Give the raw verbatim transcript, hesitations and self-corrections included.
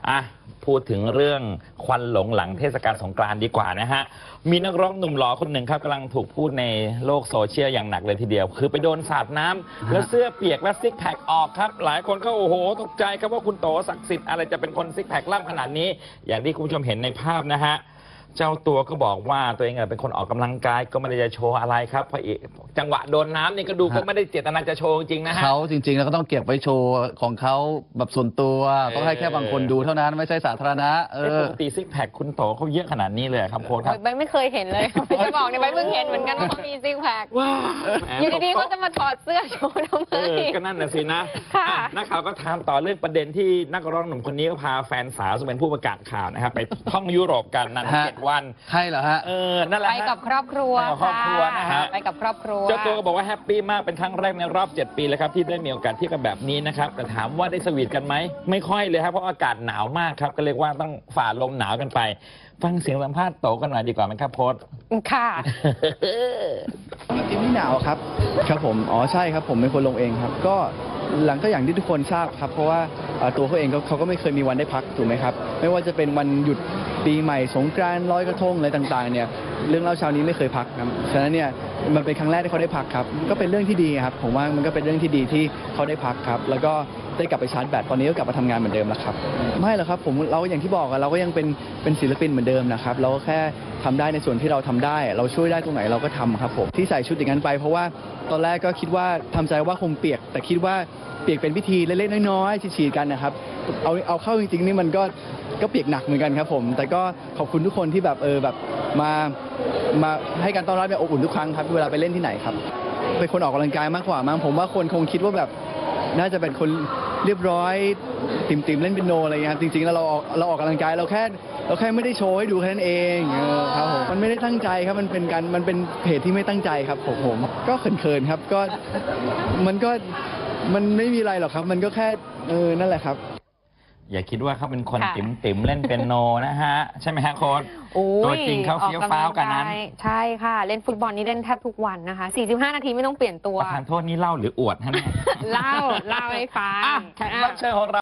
อ่ะพูดถึงเรื่องควันหลงหลังเทศกาลสงกรานต์ดีกว่านะฮะมีนักร้องหนุ่มหล่อคนหนึ่งครับกำลังถูกพูดในโลกโซเชียลอย่างหนักเลยทีเดียวคือไปโดนสาดน้ำแล้วเสื้อเปียกและซิกแพคออกครับหลายคนก็โอ้โหตกใจครับว่าคุณโตศักดิ์สิทธิ์อะไรจะเป็นคนซิกแพคล่ำขนาดนี้อย่างที่คุณผู้ชมเห็นในภาพนะฮะเจ้าตัวก็บอกว่าตัวเองเป็นคนออกกำลังกายก็ไม่ได้จะโชว์อะไรครับเพราะจังหวะโดนน้ำนี่ก็ดูก็ไม่ได้เจตนาจะโชว์จริงนะฮะเขาจริงๆแล้วก็ต้องเก็บไว้โชว์ของเขาแบบส่วนตัวต้องให้แค่บางคนดูเท่านั้นไม่ใช่สาธารณะเออปกติซิกแพคคุณโตเขาเยอะขนาดนี้เลยครับโค้ชครับใบไม่เคยเห็นเลยจะบอกเนี่ยใบเพิ่งเห็นเหมือนกันว่าเขามีซิกแพคว้าอยู่ดีๆเขาจะมาถอดเสื้อโชว์ทำไมก็นั่นน่ะสินะนักข่าวก็ถามต่อเรื่องประเด็นที่นักร้องหนุ่มคนนี้ก็พาแฟนสาวซึ่งเป็นผู้ประกาศข่าวนะครับไปท่องยุโรปกันนั่นเจ็ดวันใช่เหรอฮะเออนั่นแหละไปกับครอบครัวไปกับครอบครัวนะฮะไปกับครอบครัวเจ้าตัวก็บอกว่าแฮปปี้มากเป็นครั้งแรกในรอบเจ็ดปีแล้วครับที่ได้มีโอกาสเที่ยวกันแบบนี้นะครับแต่ถามว่าได้สวีทกันไหมไม่ค่อยเลยครับเพราะอากาศหนาวมากครับก็เรียกว่าต้องฝ่าลมหนาวกันไปฟังเสียงสัมภาษณ์โตกันหน่อยดีกว่าไหมครับโพสค่ะทีมไม่หนาวครับครับผมอ๋อใช่ครับผมเป็นคนลงเองครับก็หลังก็อย่างที่ทุกคนทราบครับเพราะว่าตัวเขาเองเขาก็ไม่เคยมีวันได้พักถูกไหมครับไม่ว่าจะเป็นวันหยุดปีใหม่สงกรานต์ลอยกระทงอะไรต่างๆเนี่ยเรื่องเล่าเช้านี้ไม่เคยพักครับฉะนั้นเนี่ยมันเป็นครั้งแรกที่เขาได้พักครับก็เป็นเรื่องที่ดีครับผมว่ามันก็เป็นเรื่องที่ดีที่เขาได้พักครับแล้วก็ได้กลับไปชาร์จแบตตอนนี้ก็กลับมาทำงานเหมือนเดิมแล้วครับไม่หรอกครับผมเราอย่างที่บอกเราก็ยังเป็นเป็นศิลปินเหมือนเดิมนะครับเราก็แค่ทำได้ในส่วนที่เราทำได้เราช่วยได้ตรงไหนเราก็ทำครับผมที่ใส่ชุดอย่างนั้นไปเพราะว่าตอนแรกก็คิดว่าทำใจว่าคงเปียกแต่คิดว่าเปียกเป็นพิธีเล็กๆน้อยๆฉีดๆกันนะครับเอาเอาเข้าจริงๆนี่มันก็ก็เปียกหนักเหมือนกันครับผมแต่ก็ขอบคุณทุกคนที่แบบเออแบบมามาให้การต้อนรับแบบอบอุ่นทุกครั้งครับเวลาไปเล่นที่ไหนครับเป็นคนออกกำลังกายมากกว่ามั้งผมว่าคนคงคิดว่าแบบน่าจะเป็นคนเรียบร้อยติ่มๆเล่นเปียโนอะไรเงี้ยครับจริงๆแล้วเราออกเราออกกำลังกายเราแค่เราแค่ไม่ได้โชว์ให้ดูแค่นั้นเองเออครับผมมันไม่ได้ตั้งใจครับมันเป็นการมันเป็นเพจที่ไม่ตั้งใจครับผมผมก็เขินๆครับก็มันก็มันไม่มีอะไรหรอกครับมันก็แค่เออนั่นแหละครับอย่าคิดว่าเขาเป็นคนติ๋มติ๋มเล่นเปียโนนะฮะใช่ไหมฮะโค้ชตัวจริงเขาเฟี้ยวฟ้าวกันนั้นใช่ค่ะเล่นฟุตบอลนี่เล่นแทบทุกวันนะคะสี่สิบห้านาทีไม่ต้องเปลี่ยนตัวประธานโทษนี่เล่าหรืออวดฮะเนี่ยเล่าเล่าให้ฟังแขกรับเชิญของเรา